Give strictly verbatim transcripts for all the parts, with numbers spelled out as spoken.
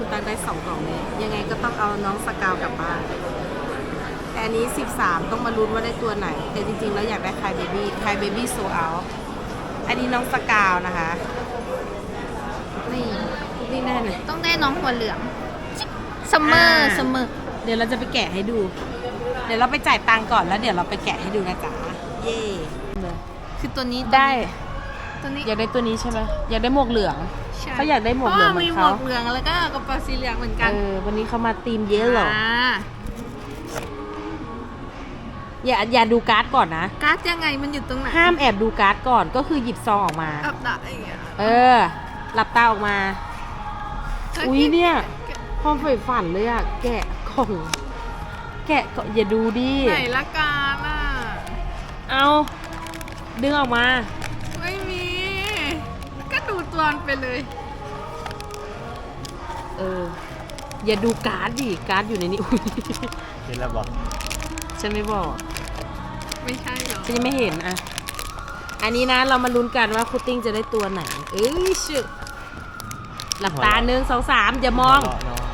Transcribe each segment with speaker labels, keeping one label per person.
Speaker 1: คุณตังได้สองกล่องนี้ยังไงก็ต้องเอาน้องสกาวกลับบ้านแต่อันนี้สิบสามต้องมาลุ้นว่าได้ตัวไหนแต่จริงๆแล้วอยากได้คายเบบี้คายเบบี้โซเอาอันนี้น้องสกาวนะคะนี่นี่แน่เลย
Speaker 2: ต้องได้น้องหัวเหลืองซัมเมอร์ซัมเมอร์
Speaker 1: เดี๋ยวเราจะไปแกะให้ดู เดี๋ยวเราไปจ่ายตังค์ก่อนแล้วเดี๋ยวเราไปแกะให้ดูนะจ๊ะเย่เลย
Speaker 2: คือตัวนี้
Speaker 1: ได้
Speaker 2: ตัวนี้
Speaker 1: อยากได้ตัวนี้ใช่ไหมอยากได้หมวกเหลือง
Speaker 2: ใช่
Speaker 1: เขาอยากได้หมวกเหลืองเหมือน
Speaker 2: มีหม
Speaker 1: เขา
Speaker 2: วกเหลืองแล้วก็กระเป๋าสีเหลืองเหมือนกัน
Speaker 1: เออวันนี้เขามาทีมเยอะหรอ
Speaker 2: อ่า
Speaker 1: อย่าอย่าดูการ์ดก่อนนะ
Speaker 2: การ์ดยังไงมันอยู่ตรงไหน
Speaker 1: ห้ามแอบดูการ์ดก่อนก็คือหยิบซองออกมา
Speaker 2: อับดาอย่างเงี้ย
Speaker 1: เออ หลับตาออกมา อุ๊ยเนี่ยความใฝ่ฝันเลยอะแกะกล่อง แกะก็อย่าดูดิ
Speaker 2: ไหนละการอ่ะ
Speaker 1: เอาดึงออกมา
Speaker 2: ไม่มี ก็ดูตัวมันไปเลย
Speaker 1: เออ อย่าดูการ์ดดิ การ์ดอยู่ในนี้ อุ๊ย
Speaker 3: เห็นแล้วบอก
Speaker 1: ฉันไม่บอก
Speaker 2: ไม่ใช่หรอ
Speaker 1: ฉันยังไม่เห็นอะอันนี้นะเรามาลุ้นกันว่าคุตติ้งจะได้ตัวไหน เอ้ยชึหลับตาหนึ่งสองสามอย่ามอง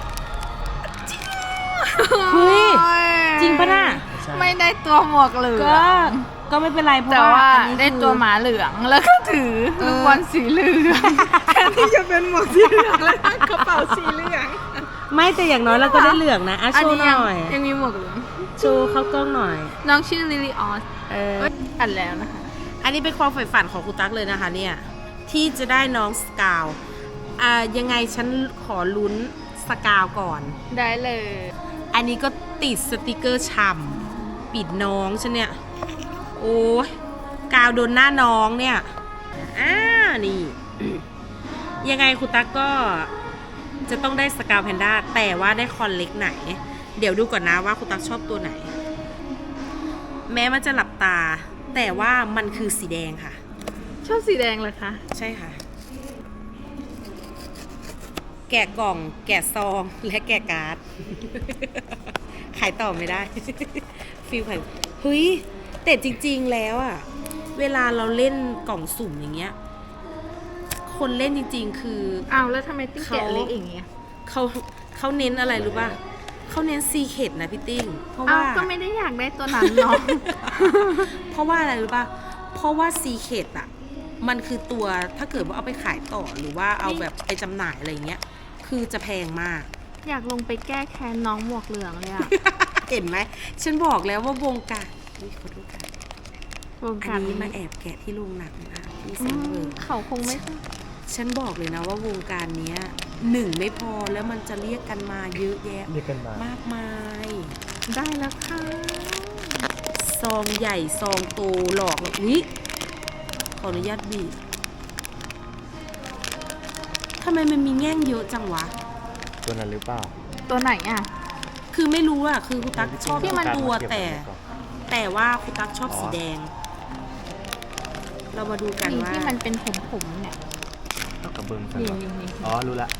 Speaker 1: เฮ้ย จริงปะน่ะ
Speaker 2: ไม่ได้ตัวหมวกเหลือง
Speaker 1: ก็ก็ไม่เป็นไรเพราะ
Speaker 2: แต่
Speaker 1: ว่า
Speaker 2: ว่า
Speaker 1: อันนี้
Speaker 2: ได้
Speaker 1: คือ
Speaker 2: ตัวหมาเหลืองแล้วก็ถือลูกบอลสีเหลืองแทนที่จะเป็นหมวกสีเหลืองแล้วกระเป๋าสีเหลือง
Speaker 1: ไม่แต่อย่างน้อยเราก็ได้เหลืองนะอ่ะโชว์ห
Speaker 2: ยั
Speaker 1: น่อย
Speaker 2: ยังมีหมวกเหลือง
Speaker 1: โชว์เข้ากล้องหน่อย
Speaker 2: น้องชื่อลิลิออส
Speaker 1: เออ
Speaker 2: เอ้ยอัดแล้วนะคะ
Speaker 1: อันนี้เป็นความใฝ่ฝันของครูตั๊กเลยนะคะเนี่ยที่จะได้น้องสกาวอ่ายังไงฉันขอลุ้นสกาวก่อน
Speaker 2: ได้เลย
Speaker 1: อันนี้ก็ติดสติกเกอร์ฉ่ำปิดน้องฉันเนี่ยโอ้ยกาวโดนหน้าน้องเนี่ยอ่านี่ ยังไงครูตั๊กก็จะต้องได้สกาวแพนด้าแต่ว่าได้คอนเล็กไหน เดี๋ยวดูก่อนนะว่าครูตั๊กชอบตัวไหน แม้มันจะหลับตาแต่ว่ามันคือสีแดงค่ะ
Speaker 2: ชอบสีแดงเลยคะ
Speaker 1: ใช่ค่ะ แกะกล่อง แกะซอง และแกะการ์ด ขายต่อไม่ได้ ฟิลขายเฮ้ย แต่จริงๆแล้วอะเวลาเราเล่นกล่องสุ่มอย่างเงี้ย คนเล่นจริงๆ คือ
Speaker 2: อ้าวแล้วทำไมติ้ง
Speaker 1: เขา
Speaker 2: แกะเล็กอย่างเงี้ย
Speaker 1: เขาเขาเน้นอะไรรู้ป่ะเขาเน้นซีเคดนะพี่ติ้ง เพราะ
Speaker 2: อ้าว
Speaker 1: ว่า
Speaker 2: ก็ไม่ได้อยากได้ตัวนั้นเนาะ
Speaker 1: เพราะว่าอะไรรู้ป่ะ เพราะว่าซีเคดอะมันคือตัวถ้าเกิดว่าเอาไปขายต่อหรือว่าเอาแบบไปจำหน่ายอะไรเงี้ย คือจะแพงมาก
Speaker 2: อยากลงไปแก้แค้นน้องหมวกเหลืองเลยอะ
Speaker 1: เห็นไหม ฉันบอกแล้วว่าวงการอุ๊ยขอโทษค่ะ
Speaker 2: วง
Speaker 1: อั
Speaker 2: การ
Speaker 1: นนี้
Speaker 2: นี้
Speaker 1: มาแอบแกะที่โรงหนังนะคะที่
Speaker 2: อื
Speaker 1: เซ็นเวิ
Speaker 2: ม
Speaker 1: ร์
Speaker 2: เขาคงไม่
Speaker 1: ฉันบอกเลยนะว่าวงการเนี้ยหนึ่งไม่พอแล้วมันจะเรียกกันมาเยอะแยะ
Speaker 3: เรียกกันมาม
Speaker 1: ากมาย
Speaker 2: ได้แล้วค่ะ
Speaker 1: ซองใหญ่ซองโตหลอกเลยอุ๊ยขออนุญาตบีบทำไมมันมีแง่งเยอะจังวะ
Speaker 3: ตัวนั้นหรือเปล่า
Speaker 2: ตัวไหนอะ
Speaker 1: คือไม่รู้อะคือคุณตั๊กชอบ
Speaker 2: ที่มัน
Speaker 1: ตัวแต่ แต่ว่าคุณตั๊กชอบสีแดง เรามาดูกัน
Speaker 2: นี่
Speaker 1: ว่า
Speaker 2: ที่มันเป็นผมๆเนี่ย
Speaker 3: เอากระเบื้องกัน
Speaker 2: นี่
Speaker 3: เหรอ
Speaker 2: นี่นี่
Speaker 3: อ๋อ รู้ละ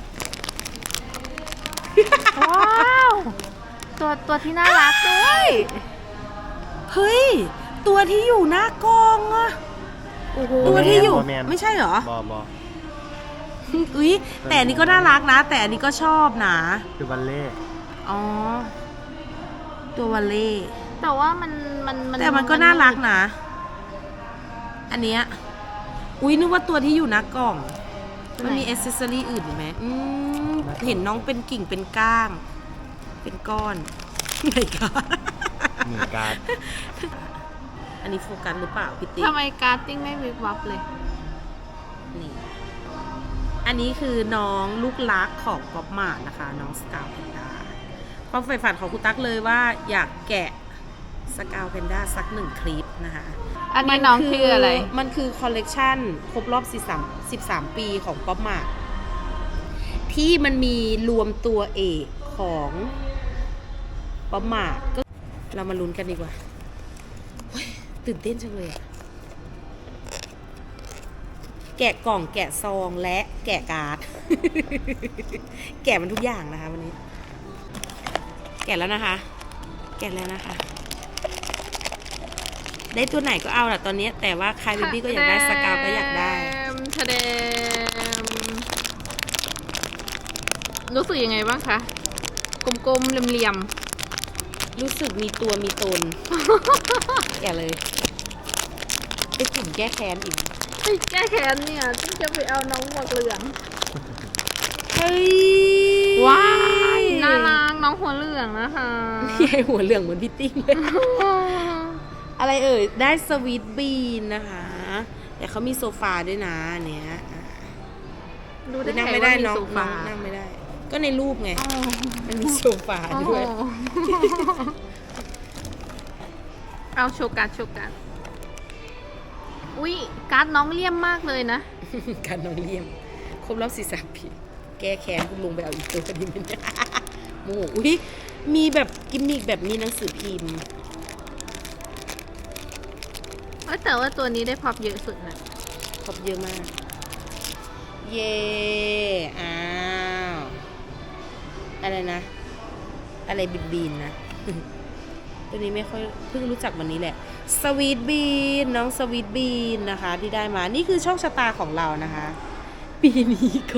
Speaker 2: ว้าว ตัวตัวที่น่ารักด้วย
Speaker 1: เฮ้ย ตัวที่อยู่หน้ากองอะ
Speaker 2: โอ้โห
Speaker 1: ตัวที่อยู่
Speaker 3: บอแมน
Speaker 1: ไม่ใช่เหรอ
Speaker 3: บอบอ
Speaker 1: อุ๊ยแต่อันนี้ก็น่ารักนะ แต่อันนี้ก็ชอบนะ
Speaker 3: คือบัลเล่
Speaker 1: อ๋อ ตัววัลเล่
Speaker 2: แต่ว่ามันมัน
Speaker 1: แต่มันก็น่ารักนะ อันเนี้ยอุ๊ยนึกว่าตัวที่อยู่หน้ากล่อง มันมีอ c เซสซอรี่อื่นอีกไหมอืมเห็นน้องเป็นกิ่งเป็นก้าง เป็นก้อนไหนก้า
Speaker 3: มีการ์ด
Speaker 1: อันนี้โฟกัสหรือเปล่าพี่ติ๊ก
Speaker 2: ทำไมการ์ดติ้งไม่วิบวับเลย
Speaker 1: นี่ อันนี้คือน้องลูกรักของก๊อปมาร์นะคะ น้องสกาวแพนด้าความใฝ่ฝันของคุณตั๊กเลยว่าอยากแกะสกาวแพนด้าสักหนึ่งคลิปนะคะ
Speaker 2: อันนี้น้องชื่ออะไร
Speaker 1: มันคือคอลเลกชันครบรอบสิบสามปีของป๊อปมาร์ทที่มันมีรวมตัวเอกของป๊อปมาร์ทก็เรามาลุ้นกันดีกว่าโอ๊ยตื่นเต้นจังเลยอะแกะกล่องแกะซองและแกะการ์ด แกะมันทุกอย่างนะคะวันนี้ แกะแล้วนะคะ แกะแล้วนะคะ ได้ตัวไหนก็เอาแหละตอนนี้ แต่ว่าคายเบบี้ก็อยากได้สกาวก็อยากได้
Speaker 2: ทะเดมรู้สึกยังไงบ้างคะ กลมๆเหลี่ยม
Speaker 1: รู้สึกมีตัวมีตน อย่าเลยไปกลุ่มแก้แค้นอีก
Speaker 2: ๆเฮ้ยแก้แค้นเนี่ยฉันจะไปเอาน้องหมวกเหลือง
Speaker 1: เฮ้ย
Speaker 2: ว้ายน่ารักน้องหัวเหลืองนะคะ
Speaker 1: ใหญ่หัวเหลืองเหมือนพี่ติ้งเลย อะไรเอ่ย ได้สวีทบีนนะคะ แต่เขามีโซฟาด้วยนะอันเนี้ยอ่ะ
Speaker 2: ดูได้
Speaker 1: นั่ง
Speaker 2: ไง
Speaker 1: ไม่ได้
Speaker 2: ว่ามี
Speaker 1: น้อง
Speaker 2: โซ
Speaker 1: น้
Speaker 2: ฟา
Speaker 1: องนั่งไม่ได้ ก็ในรูปไง
Speaker 2: อ๋อ
Speaker 1: มันมีโซฟา
Speaker 2: โอ้โห
Speaker 1: ด้วย
Speaker 2: เอาโชว์การ์ดโชว์การ์ดอุ้ยการ์ดน้องเลี่ยมมากเลยนะ
Speaker 1: การน้องเลี่ยม ครบรอบสี่สามปีแก้แค้นคุณลุงไปเอาอีกตัวดีไหมเนี่ยโมโหอุ้ยมีแบบกิมมิกแบบมีหนังสือพิมพ์
Speaker 2: เอ้ยแต่ว่าตัวนี้ได้พร็อพเยอะสุดนะ
Speaker 1: ครบเยอะมาก เย่อ้าว อะไรนะ อะไรบินบินนะ ตัวนี้ไม่ค่อยเพิ่งรู้จักวันนี้แหละ สวีทบีนน้องสวีทบีนนะคะ ที่ได้มา นี่คือโชคชะตาของเรานะคะ ปีนี้ก็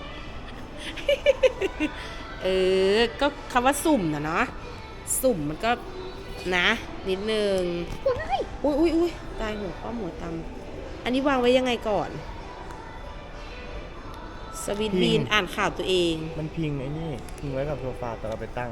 Speaker 1: เออ ก็คำว่าสุ่มนะเนาะ สุ่มมันก็นะ นิดนึง อุ้ยอุ้ยอุ้ยตายหัวข้อหัวตำอันนี้วางไว้ยังไงก่อน สวีทบีนอ่านข่าวตัวเอง
Speaker 3: มันพิงไอ้นี่ พิงไว้กับโซฟาแต่เราไปตั้ง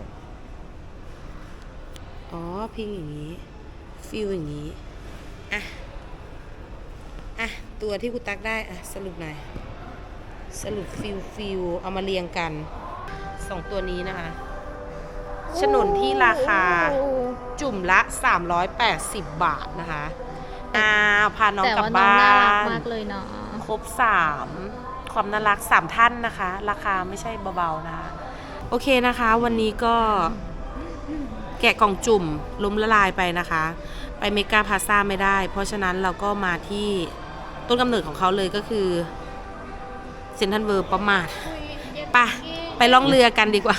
Speaker 1: อ๋อ พิงอย่างนี้ ฟิลอย่างนี้ อ่ะ อ่ะ ตัวที่กูตักได้ อ่ะ สรุปหน่อย สรุปฟิลฟิลเอามาเรียงกัน สองตัวนี้นะคะฉนนที่ราคา จุ่มละ สามร้อยแปดสิบ บาทนะคะอ้าวพาน้อง
Speaker 2: แต่
Speaker 1: กลับ
Speaker 2: ว่าน้อง
Speaker 1: บ้า
Speaker 2: น่ารัก
Speaker 1: น
Speaker 2: มากเลยเนาะ
Speaker 1: ครบสามความน่ารักสามท่านนะคะ ราคาไม่ใช่เบาๆนะคะ โอเคนะคะ วันนี้ก็แกะกล่องจุ่มล้มละลายไปนะคะ ไปเมกาพลาซ่าไม่ได้ เพราะฉะนั้นเราก็มาที่ต้นกำเนิดของเขาเลยก็คือเซ็นทรัลเวิร์ประมาทไปไปล่องเรือกันดีกว่า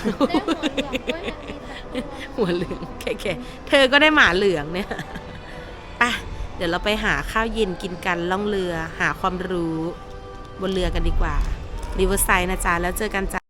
Speaker 1: หัวเหลืองแค่ๆเธอก็ได้หมาเหลืองเนี่ยไปเดี๋ยวเราไปหาข้าวเย็นกินกันล่องเรือหาความรู้บนเรือกันดีกว่าริเวอร์ไซด์นะจ๊ะแล้วเจอกันจ้ะ